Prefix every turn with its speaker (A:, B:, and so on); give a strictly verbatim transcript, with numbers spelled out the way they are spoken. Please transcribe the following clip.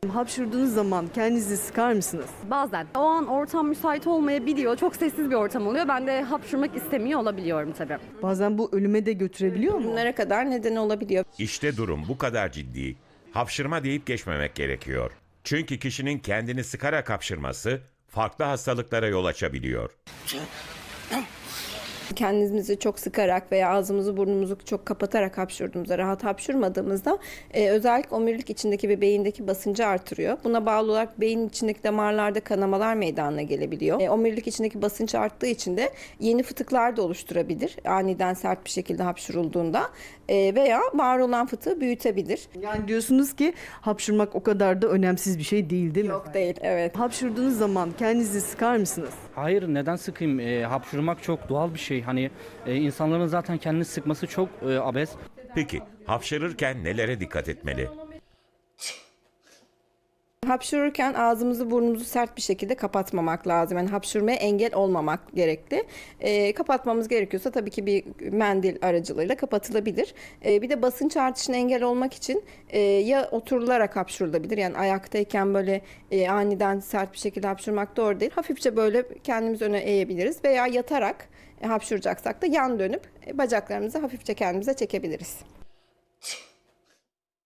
A: Hapşurduğunuz zaman kendinizi sıkar mısınız?
B: Bazen. O an ortam müsait olmayabiliyor. Çok sessiz bir ortam oluyor. Ben de hapşırmak istemiyor olabiliyorum tabii.
A: Bazen bu ölüme de götürebiliyor mu?
C: Bunlara kadar neden olabiliyor.
D: İşte durum bu kadar ciddi. Hapşırma deyip geçmemek gerekiyor. Çünkü kişinin kendini sıkarak hapşırması farklı hastalıklara yol açabiliyor.
C: Kendimizi çok sıkarak veya ağzımızı burnumuzu çok kapatarak hapşurduğumuzda, rahat hapşurmadığımızda e, özellikle omurilik içindeki ve beyindeki basıncı artırıyor. Buna bağlı olarak beynin içindeki damarlarda kanamalar meydana gelebiliyor. E, omurilik içindeki basınç arttığı için de yeni fıtıklar da oluşturabilir. Aniden sert bir şekilde hapşurulduğunda e, veya var olan fıtığı büyütebilir.
A: Yani diyorsunuz ki hapşırmak o kadar da önemsiz bir şey değil değil mi?
C: Yok değil, evet.
A: Hapşurduğunuz zaman kendinizi sıkar mısınız?
E: Hayır, neden sıkayım? E, hapşırmak çok doğal bir şey. Hani e, insanların zaten kendini sıkması çok e, abes.
D: Peki hapşırırken nelere dikkat etmeli?
C: Hapşırırken ağzımızı burnumuzu sert bir şekilde kapatmamak lazım. Yani hapşırmaya engel olmamak gerekli. E, kapatmamız gerekiyorsa tabii ki bir mendil aracılığıyla kapatılabilir. E, bir de basınç artışına engel olmak için e, ya oturularak hapşırılabilir. Yani ayaktayken böyle e, aniden sert bir şekilde hapşırmak doğru değil. Hafifçe böyle kendimizi öne eğebiliriz veya yatarak e, hapşıracaksak da yan dönüp e, bacaklarımızı hafifçe kendimize çekebiliriz.